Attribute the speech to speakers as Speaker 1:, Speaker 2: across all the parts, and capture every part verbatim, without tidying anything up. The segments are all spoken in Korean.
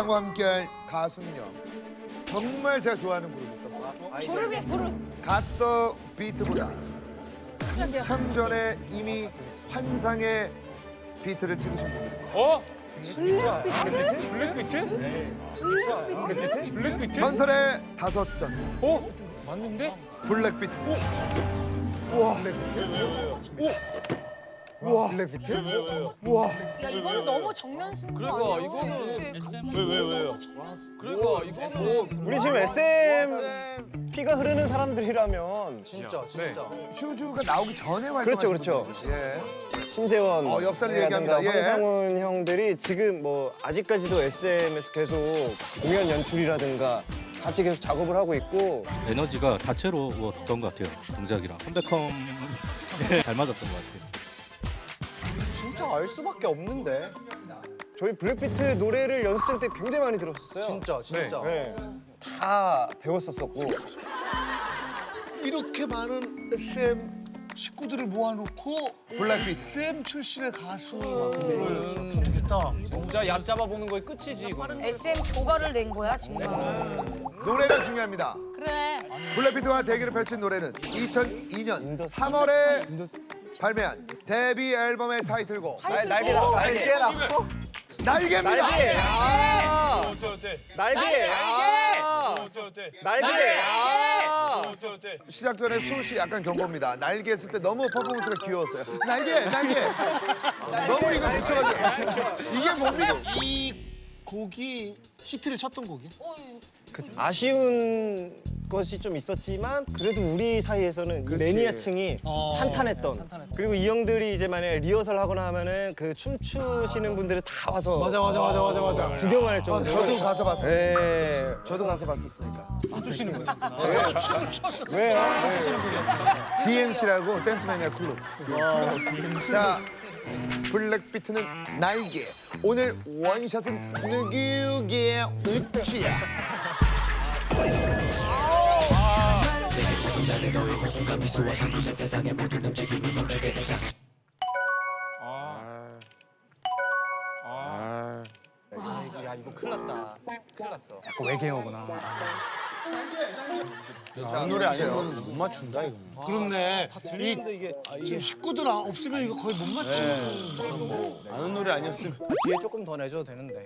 Speaker 1: 세상과 함께할 가수는요. 정말 제가 좋아하는 그룹이 떴어요.
Speaker 2: 그룹이 그룹.
Speaker 1: 갓더 비트보다 한참 전에 이미 환상의 비트를 찍으신 분들.
Speaker 3: 어?
Speaker 2: 블랙비트?
Speaker 3: 블랙비트?
Speaker 2: 블랙비트?
Speaker 3: 블랙비트?
Speaker 1: 전설의 다섯 전설.
Speaker 3: 어? 맞는데?
Speaker 1: 블랙비트.
Speaker 3: 우와.
Speaker 1: 우와. 블랙비트? 우와.
Speaker 2: 야 이거는 너무 정면 쓴거
Speaker 3: 그러니까
Speaker 2: 아니야?
Speaker 3: 이거는
Speaker 4: 왜, 왜, 왜요?
Speaker 3: 그러니까 이거는
Speaker 5: 우리 지금 에스엠 피가 흐르는 사람들이라면
Speaker 4: 진짜, 진짜.
Speaker 1: 슈즈가 나오기 전에 활동하신
Speaker 5: 그렇죠, 그렇죠.
Speaker 1: 분들이죠. 예.
Speaker 5: 심재원,
Speaker 1: 어, 역사를
Speaker 5: 라든가
Speaker 1: 얘기합니다. 예.
Speaker 5: 황상훈 형들이 지금 뭐 아직까지도 에스엠에서 계속 공연 연출이라든가 같이 계속 작업을 하고 있고
Speaker 6: 에너지가 다채로웠던 것 같아요. 동작이랑 컴백홈 잘 맞았던 것 같아요.
Speaker 4: 진짜 알 수밖에 없는데.
Speaker 5: 저희 블랙비트 노래를 연습생 때 굉장히 많이 들었었어요.
Speaker 4: 진짜, 진짜.
Speaker 5: 네. 다 배웠었었고
Speaker 7: 이렇게 많은 에스엠 식구들을 모아놓고
Speaker 1: 블랙비트.
Speaker 7: 에스엠 출신의 가수를 선택했다.
Speaker 3: 진짜 약 잡아보는 거에 끝이지 이거는.
Speaker 2: 에스엠 조가를 낸 거야 정말.
Speaker 1: 노래가 중요합니다.
Speaker 2: 그래.
Speaker 1: 블랙비트와 대결을 펼친 노래는 이천이 년 삼월에 발매한 데뷔 앨범의 타이틀곡
Speaker 5: 날, 날개라 날개라
Speaker 1: 날개입니다.
Speaker 5: 날개 아
Speaker 3: 어때?
Speaker 5: 날개 아
Speaker 3: 어때?
Speaker 5: 날개 아
Speaker 1: 시작 전에 수호 씨 약간 경고입니다. 날개 했을 때 너무 퍼포먼스가 귀여웠어요. 날개, 날개. 너무 이거 붙여가지고. 이게 뭡니까?
Speaker 7: 이 곡이 히트를 쳤던 곡이야?
Speaker 5: 아쉬운 것이 좀 있었지만 그래도 우리 사이에서는 이 매니아층이
Speaker 7: 어.
Speaker 5: 탄탄했던 그리고 이 형들이 이제 만약에 리허설 하거나 하면은 그 춤추시는 분들이 다 와서
Speaker 7: 맞아, 맞아, 맞아, 맞아, 맞아.
Speaker 5: 구경할 정도로
Speaker 1: 저도 가서 봤어요.
Speaker 5: 예.
Speaker 1: 저도 가서 봤었으니까.
Speaker 5: 왜요?
Speaker 1: 디엠씨라고 댄스 매니아 클럽. 자, 블랙비트는 날개. 오늘 원샷은 누구의 으쌰.
Speaker 3: 야 이거 큰일 났다. 큰일 났어.
Speaker 1: 자, 노래 아니에요.
Speaker 3: 못 맞춘다 이거.
Speaker 7: 그렇네. 이,
Speaker 3: 이게
Speaker 7: 지금 식구들 아- 없으면 이거 거의 못 맞추는
Speaker 3: 아는 노래 아니었으면.
Speaker 4: 뒤에 조금 더 내줘도 되는데.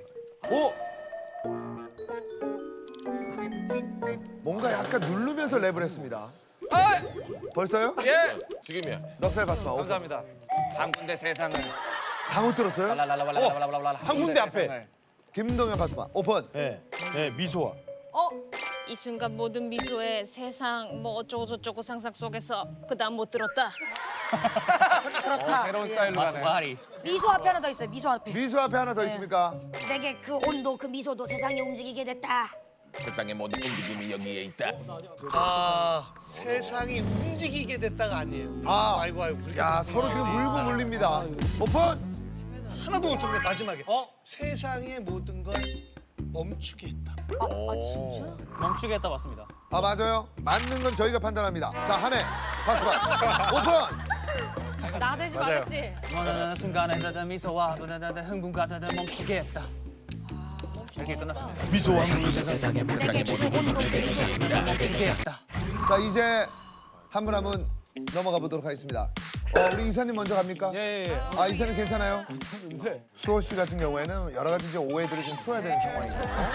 Speaker 1: 뭔가 약간 누르면서 랩을 했습니다. 벌써요?
Speaker 3: 예.
Speaker 4: 지금이야.
Speaker 1: 넉살 봤어. 오.
Speaker 3: 감사합니다.
Speaker 8: 한 군데 세상을
Speaker 1: 잘못 들었어요?
Speaker 8: 랄랄랄랄랄랄랄랄랄
Speaker 3: 한 군데 앞에.
Speaker 1: 김동현 바스바 오픈.
Speaker 3: 네. 네 미소와.
Speaker 2: 어?
Speaker 9: 이 순간 모든 미소의 세상 뭐 어쩌고 저쩌고 상상 속에서 그다음 못 들었다.
Speaker 2: 그렇다.
Speaker 8: 새로운 스타일로 가네.
Speaker 2: 미소 앞에 하나 더 있어요. 미소 앞에.
Speaker 1: 미수 앞에 하나 더 있습니까?
Speaker 2: 내게 그 온도 그 미소도 세상이 움직이게 됐다.
Speaker 8: 세상의 모든 움직임이 여기에 있다.
Speaker 7: 아, 세상이 움직이게 됐다가 아니에요.
Speaker 1: 아,
Speaker 7: 아이고, 아이고. 그렇게
Speaker 1: 야
Speaker 7: 됐구나.
Speaker 1: 서로 지금 물고 물립니다. 오픈.
Speaker 7: 하나도 못 들었네, 마지막에. 세상의 모든 걸 멈추게 했다.
Speaker 2: 아, 아 진짜?
Speaker 3: 멈추게 했다 맞습니다.
Speaker 1: 아 맞아요. 맞는 건 저희가 판단합니다. 자 한해 바스바 오픈.
Speaker 9: 나대지 말랬지.
Speaker 8: 어느 순간에 다다 미소와 다다 흥분과 다다 멈추게 했다. 이렇게 끝났습니다.
Speaker 3: 미소와
Speaker 8: 세상의 모든
Speaker 2: 내게 그 온도 그 미소.
Speaker 8: 멈추게 했다.
Speaker 1: 자 이제 한 분 한 분 넘어가 보도록 하겠습니다. 어, 우리 이사님 먼저 갑니까?
Speaker 3: 예, 예.
Speaker 1: 아 이사님 괜찮아요? 수호 씨 같은 경우에는 여러 가지 이제 오해들을 좀 풀어야 되는 상황이거든요.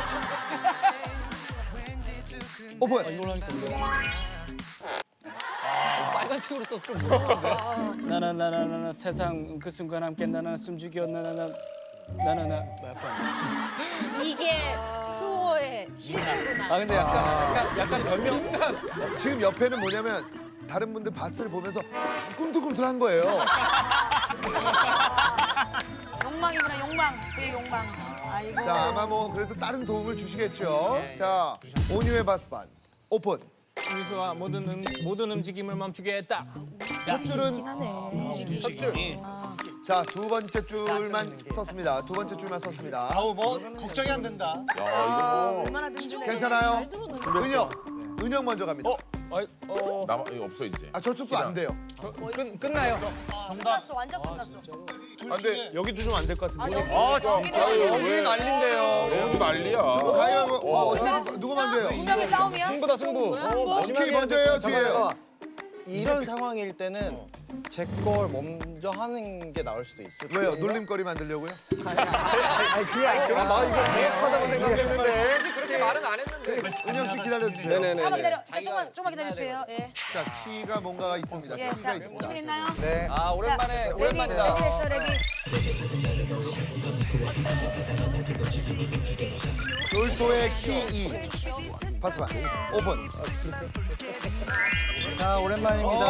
Speaker 1: 오픈.
Speaker 8: 빨간색으로 써서 좀 무서운데. 나는 나는 나는 세상 그 순간 함께 나는 숨죽여 나는 나는 나는 뭐 약간.
Speaker 9: 이게 수호의 실체구나.
Speaker 8: 아 근데 약간 약간 약간 변명.
Speaker 1: 지금 옆에는 뭐냐면 다른 분들 바스를 보면서 꿈틀꿈틀한 거예요.
Speaker 2: 욕망이구나 욕망. 그게 욕망. 아이고.
Speaker 1: 자 아마 뭐 그래도 다른 도움을 주시겠죠. 자 온유의 바스반 오픈.
Speaker 8: 미소와 모든 음, 모든 움직임을 멈추게 했다.
Speaker 1: 첫 줄은
Speaker 2: 하네.
Speaker 8: 첫 줄.
Speaker 1: 자 두 번째 줄만 썼습니다. 두 번째 줄만 썼습니다.
Speaker 7: 아우, 뭐, 걱정이 안 된다.
Speaker 2: 아, 얼마나 든든해.
Speaker 1: 괜찮아요?
Speaker 9: 잘 들었는데.
Speaker 1: 은영, 은영 먼저 갑니다.
Speaker 8: 어,
Speaker 10: 남 이거 없어 이제.
Speaker 1: 아 저쪽도 안 돼요.
Speaker 8: 끝 끝나요.
Speaker 2: 끝났어 완전 끝났어.
Speaker 10: 안돼.
Speaker 3: 여기도 좀 안 될 것 같은데.
Speaker 8: 아 진짜 여기 난린데요.
Speaker 10: 너무 난리야.
Speaker 1: 가위바위보. 어, 어떻게 누구 먼저 해요?
Speaker 2: 두 명의 싸움이야?
Speaker 8: 승부다 승부.
Speaker 1: 오케이 먼저 해요 뒤에.
Speaker 4: 잠깐만. 이런 상황일 때는 제 걸 먼저 하는 게 나을 수도 있을
Speaker 1: 왜요?
Speaker 4: 거예요.
Speaker 1: 놀림거리 만들려고요?
Speaker 5: 아니 그게 아니라 나 이거 계획하다고 생각했는데.
Speaker 8: 그렇게 말은 안 했는데.
Speaker 1: 은영 씨 기다려주세요.
Speaker 5: 네네네.
Speaker 2: 잠깐만 기다려. 자, 조금만 조금만 기다려주세요. 예.
Speaker 1: 자 키가 뭔가가 있습니다.
Speaker 2: 예.
Speaker 1: 키가
Speaker 2: 자
Speaker 1: 있습니다.
Speaker 2: 준비됐나요?
Speaker 4: 네.
Speaker 8: 아 오랜만에
Speaker 2: 자, 레디,
Speaker 8: 오랜만이다.
Speaker 2: 레디 됐어 레디.
Speaker 1: 롤토의 키 이. 파스판 오픈.
Speaker 4: 자 오랜만입니다.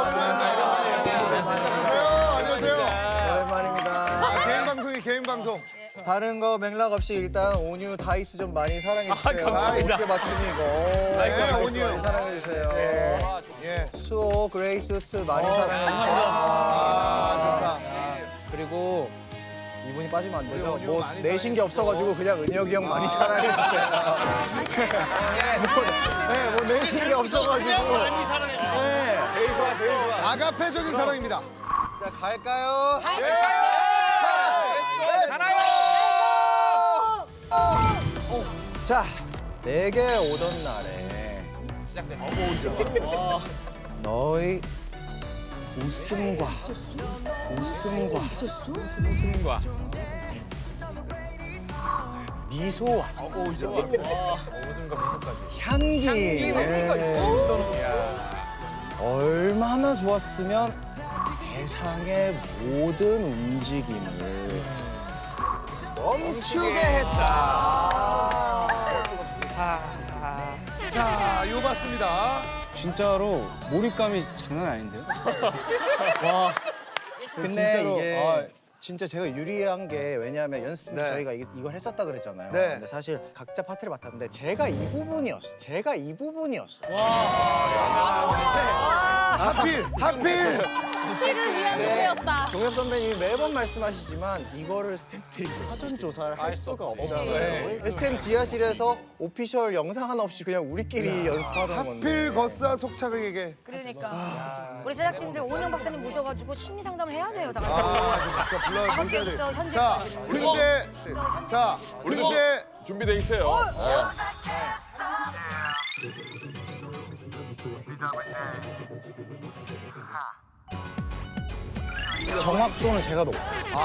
Speaker 1: 안녕하세요. 안녕하세요.
Speaker 4: 오랜만입니다.
Speaker 1: 아, 개인 방송이 개인 방송.
Speaker 4: 다른 거 맥락 없이 일단 온유 다이스 좀 많이 사랑해 주세요.
Speaker 3: 감사합니다.
Speaker 4: 어깨 맞춤이고.
Speaker 1: 네,
Speaker 4: 다이스
Speaker 1: 온유.
Speaker 4: 많이 사랑해 주세요.
Speaker 1: 예.
Speaker 4: 수호 그레이스트 많이 사랑해 주세요.
Speaker 1: 아 좋다.
Speaker 4: 그리고 이분이 빠지면 안
Speaker 1: 우리
Speaker 4: 되죠.
Speaker 1: 온유
Speaker 4: 뭐
Speaker 1: 많이
Speaker 4: 내신 게 없어가지고 그냥 은혁이 형 많이 사랑해 주세요. 네, 뭐 내신 게 없어가지고. 많이 사랑해 주세요. 네.
Speaker 5: 제일 좋아 제일 좋아.
Speaker 1: 아가페적인 사랑입니다.
Speaker 4: 자 갈까요? 자, 내게 오던 날에 너의 웃음과 웃음과
Speaker 8: 승과.
Speaker 4: 미소와
Speaker 8: 웃음과 미소까지.
Speaker 4: 향기는 얼마나 좋았으면 세상의 모든 움직임을 멈추게 했다.
Speaker 1: 자, 요 봤습니다.
Speaker 8: 진짜로 몰입감이 장난 아닌데요? 와.
Speaker 4: 근데
Speaker 8: 진짜로,
Speaker 4: 이게
Speaker 8: 아,
Speaker 4: 진짜 제가 유리한 게 왜냐하면 연습 때
Speaker 1: 네.
Speaker 4: 저희가 이, 이걸 했었다 그랬잖아요.
Speaker 1: 네.
Speaker 4: 근데 사실 각자 파트를 맡았는데 제가 이 부분이었어. 제가 이 부분이었어.
Speaker 1: 하필, 하필.
Speaker 2: 키를 위한 노래였다.
Speaker 4: 동엽 선배님이 매번 말씀하시지만 이거를 스태프들이 사전 조사를 할 수가 없어요. 에스엠 지하실에서 오피셜 영상 하나 없이 그냥 우리끼리 연습하던 건데.
Speaker 1: 하필 거싸 속착에게.
Speaker 2: 그러니까 우리 제작진들 오은영 박사님 모셔가지고 심리 상담을 해야 돼요 다 같이.
Speaker 1: 아, 저 불러
Speaker 2: 다섯
Speaker 1: 보셔야 돼.
Speaker 2: 개부터 현재.
Speaker 1: 자, 근데 자,
Speaker 10: 우리도
Speaker 1: 근데
Speaker 10: 준비돼 있어요. 어.
Speaker 4: 정확도는 제가 높아요.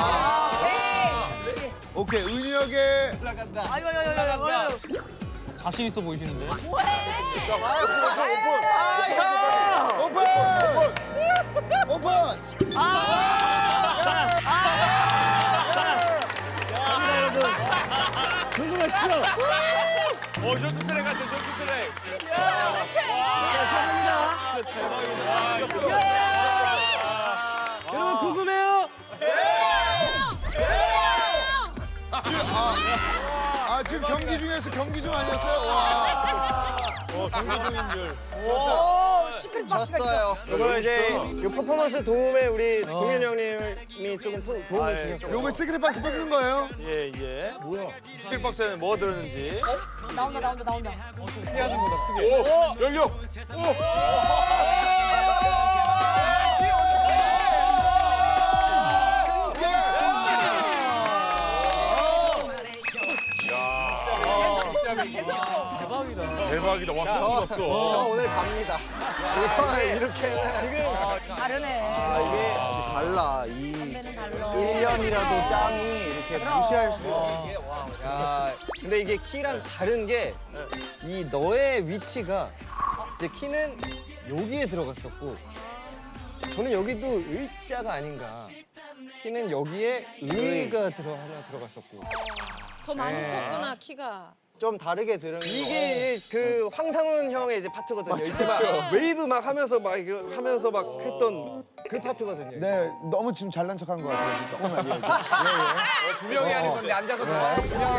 Speaker 1: 오케이 은혁의
Speaker 2: 아유 아유 아유 아유 아유.
Speaker 3: 자신 있어 보이시는데.
Speaker 2: 뭐해?
Speaker 1: 오픈! 오픈!
Speaker 3: 어, 쇼트트랙 같아, 쇼트트랙.
Speaker 5: 여러분 궁금해요?
Speaker 1: 아 지금 경기 중에서 경기 중 아니었어요? 와.
Speaker 3: 어, 경기 중인 줄.
Speaker 2: 오 시크릿 박스가 있어.
Speaker 4: 졌어요.
Speaker 5: 이거 이제 이 퍼포먼스 도움에 우리 동현 형님이 조금 도- 도움을
Speaker 3: 아, 예.
Speaker 5: 주셨어요.
Speaker 1: 요거 시크릿 박스 뽑는 거예요?
Speaker 3: 예, 예. 뭐야? 스킬박스에는 뭐가 들었는지.
Speaker 2: 나온다 나온다 나온다.
Speaker 3: 피하는 거다, 크게.
Speaker 10: 오 열려. 대박이다. 와 소름
Speaker 4: 저
Speaker 10: 돋았어.
Speaker 4: 오늘 갑니다. 이거 이렇게는 지금
Speaker 2: 다르네.
Speaker 4: 아, 이게 달라. 이
Speaker 2: 선배는 달라.
Speaker 4: 일 년이라도 짱이 이렇게 무시할 수 없는.
Speaker 5: 야, 근데 이게 키랑 다른 게 이 너의 위치가 이제 키는 여기에 들어갔었고 저는 여기도 의자가 아닌가. 키는 여기에 의가 들어 하나 들어갔었고
Speaker 9: 더 많이 썼구나 키가.
Speaker 4: 좀 다르게 들은 거.
Speaker 5: 이게 그 황상훈 형의 이제 파트거든요. 이렇게 막 웨이브 막 하면서 막 이거 하면서 막 했던 그 파트거든요.
Speaker 1: 네, 너무 지금 잘난 척한 것 같아요. 조금만 예,
Speaker 8: 두 명이 하는 건데 앉아서 다.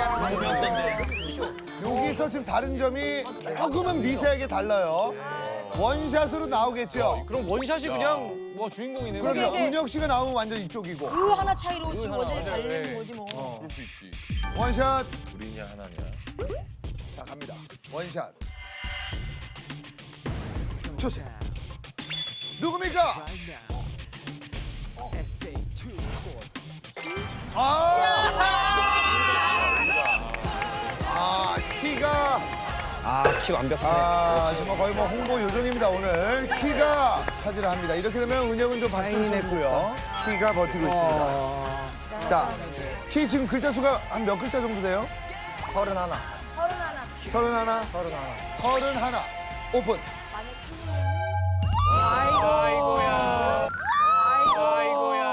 Speaker 1: 여기서 지금 다른 점이 조금은 미세하게 달라요. 원샷으로 나오겠죠?
Speaker 3: 그럼 원샷이 그냥 뭐 주인공이네요.
Speaker 2: 저기
Speaker 1: 그러면
Speaker 2: 이게-
Speaker 1: 은혁 씨가 나오면 완전 이쪽이고.
Speaker 2: 그 하나 차이로 지금 원샷이 달리는 거지 뭐.
Speaker 10: 그럴 수 있지.
Speaker 1: 원샷.
Speaker 10: 둘이냐 하나냐.
Speaker 1: 자, 갑니다. 원샷. 주세요. 누굽니까? 아, 아 키가
Speaker 5: 아, 키 완벽하네.
Speaker 1: 아 정말 거의 뭐 홍보 요정입니다 오늘. 키가 차지를 합니다. 이렇게 되면 은혁은 좀 박수를 냈고요. 키가 버티고 있습니다. 자, 키 지금 글자 수가 한 몇 글자 정도 돼요?
Speaker 4: 서른 하나.
Speaker 2: 서른 하나.
Speaker 1: 서른 하나.
Speaker 4: 서른 하나.
Speaker 1: 서른 하나. 오픈.
Speaker 2: 만약 틀리면. 아이고.
Speaker 8: 아이고야. 아이고야.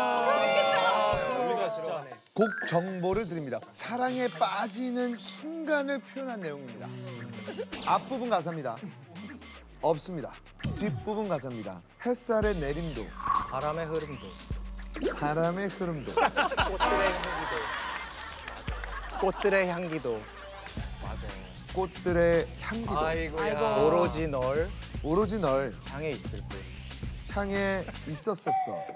Speaker 1: 곡 정보를 드립니다. 사랑에 빠지는 순간을 표현한 내용입니다. 앞부분 가사입니다. 없습니다. 뒷부분 가사입니다. 햇살의 내림도,
Speaker 4: 바람의 흐름도.
Speaker 1: 바람의 흐름도,
Speaker 4: 꽃들의 향기도.
Speaker 1: 꽃들의 향기도,
Speaker 8: 아이고야.
Speaker 4: 오로지 널
Speaker 1: 오로지 널
Speaker 4: 향해 있을 뿐.
Speaker 1: 향해 있었었어.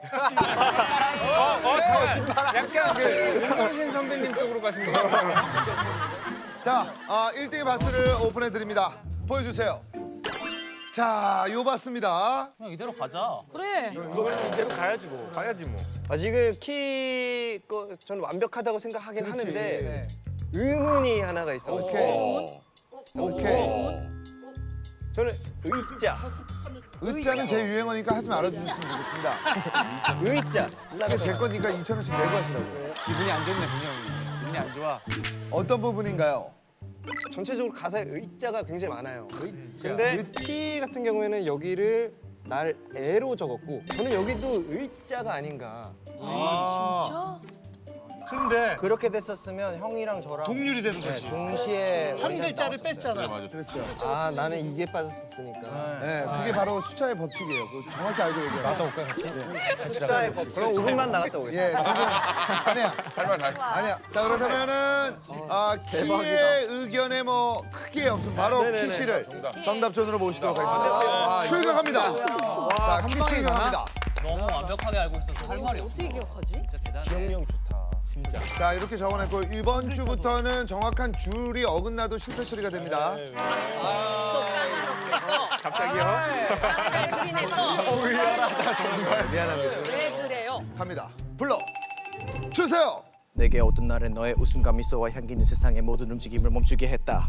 Speaker 3: 약간 그 윤종신 선배님 쪽으로 가신 거 같아요.
Speaker 1: 자, 아, 일 등의 바스를 오픈해 드립니다. 보여주세요. 자, 요 바스입니다.
Speaker 8: 그냥 이대로 가자.
Speaker 2: 그래.
Speaker 3: 이대로 가야지 뭐. 가야지 뭐.
Speaker 5: 아, 지금 키 거, 저는 완벽하다고 생각하긴
Speaker 1: 그렇지.
Speaker 5: 하는데 의문이 하나가 있어가지고.
Speaker 1: 오케이. 오케이.
Speaker 5: 저는 의자.
Speaker 1: 의자는 제 유행어니까 하지 말아주셨으면 좋겠습니다.
Speaker 5: 의자.
Speaker 1: 이게 제 거니까 이천 원씩 내고 하시라고요.
Speaker 3: 기분이 안 좋네 분명히. 기분이 안 좋아.
Speaker 1: 어떤 부분인가요?
Speaker 5: 전체적으로 가사에 의자가 굉장히 많아요. 근데 키 같은 경우에는 여기를 날 애로 적었고 저는 여기도 의자가 아닌가.
Speaker 2: 진짜?
Speaker 7: 그런데
Speaker 4: 그렇게 됐었으면 형이랑 저랑
Speaker 7: 동률이 되는
Speaker 4: 네,
Speaker 7: 거지.
Speaker 4: 동시에
Speaker 7: 한
Speaker 4: 원샷
Speaker 7: 글자를
Speaker 4: 나왔었어요.
Speaker 7: 뺐잖아.
Speaker 10: 맞아.
Speaker 1: 그렇죠.
Speaker 5: 아, 나는 이게 빠졌었으니까.
Speaker 1: 네, 그게 바로 숫자의 법칙이에요. 그거 정확히 알고 얘기해요.
Speaker 3: 갔다 올까요 같이?
Speaker 4: 숫자의 법칙.
Speaker 5: 그럼 오 분만 나갔다 오겠습니다.
Speaker 1: 예, 그거 아니야.
Speaker 10: 할 말 다 했어.
Speaker 1: 아니야. 자, 그렇다면은 아, 키의 의견에 뭐 크게 없으면 바로
Speaker 5: 네네네.
Speaker 1: 키 씨를
Speaker 10: 정답.
Speaker 1: 정답전으로 모시도록 하겠습니다. 출격합니다. 자, 키 출격합니다.
Speaker 8: 너무 완벽하게 알고 있어서 할 말이 없어.
Speaker 2: 어떻게 기억하지?
Speaker 8: 진짜 대단해.
Speaker 5: 기억력이 좋다.
Speaker 8: 진짜.
Speaker 1: 자, 이렇게 적어냈고 이번 주부터는 정확한 줄이 어긋나도 실패 처리가 됩니다.
Speaker 9: 또 까다롭게 또.
Speaker 3: 갑자기요?
Speaker 9: 잘 그리네 또.
Speaker 1: 정말 미안합니다.
Speaker 9: 왜 그래요?
Speaker 1: 갑니다. 불러 주세요.
Speaker 4: 내게 어떤 날엔 너의 웃음과 미소와 향기는 세상의 모든 움직임을 멈추게 했다.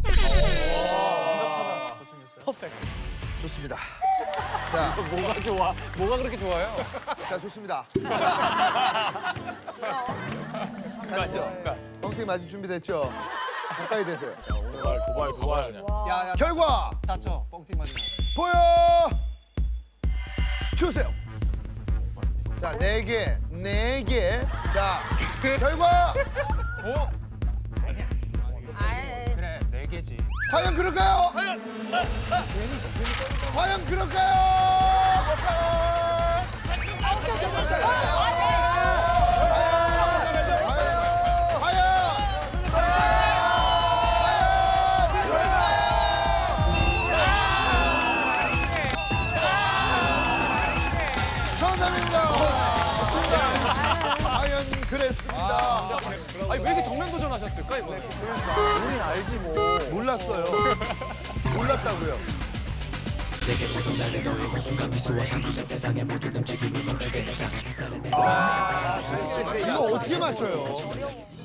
Speaker 1: 좋습니다. 자,
Speaker 3: 뭐가 좋아? 뭐가 그렇게 좋아요?
Speaker 1: 자 좋습니다.
Speaker 3: 습관이야 습관.
Speaker 1: 뻥튀기 맞을 준비됐죠? 가까이 대세요.
Speaker 10: 도발, 도발, 도발 그냥.
Speaker 3: 야야
Speaker 1: 결과
Speaker 3: 다쳐. 뻥튀기 맞으면.
Speaker 1: 보여 주세요. 자, 네 개, 네 개. 자, 결과
Speaker 3: 오?
Speaker 2: 아이.
Speaker 3: 그래 네 개지.
Speaker 1: 과연 그럴까요? 과연 그럴까요? 정답입니다. 과연 그랬습니다.
Speaker 3: 아니 왜 이렇게 정면 도전하셨을까 이번에?
Speaker 1: 우린 알지 뭐. 몰랐어요. 몰랐다고요. 이거 어떻게 맞춰요?